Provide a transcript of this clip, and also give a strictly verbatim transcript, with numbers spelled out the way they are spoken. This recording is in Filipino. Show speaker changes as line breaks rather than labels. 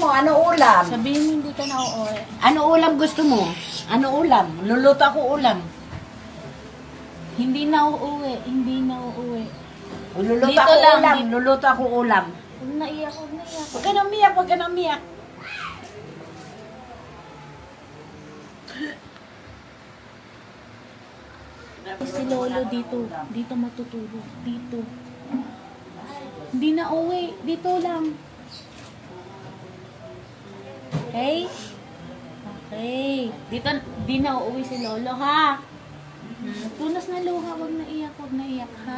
Ano ulam?
Sabihin mo hindi ka na uuwi.
Ano ulam gusto mo? Ano ulam? Luluto ako ulam.
Hindi na uuwi. Hindi na uuwi.
Luluto
Dito
ako
lang,
ulam.
dito.
Luluto ako ulam.
Huwag na iyak, huwag na iyak.
Huwag ka na umiyak, huwag ka na umiyak.
Si Lolo dito. Dito matutulog. Dito. Hindi na uwi. Dito lang. Okay? Okay. Dito, di na uuwi si Lolo, ha? Hmm, tunas na luha. Huwag na iyak, huwag na iyak, ha?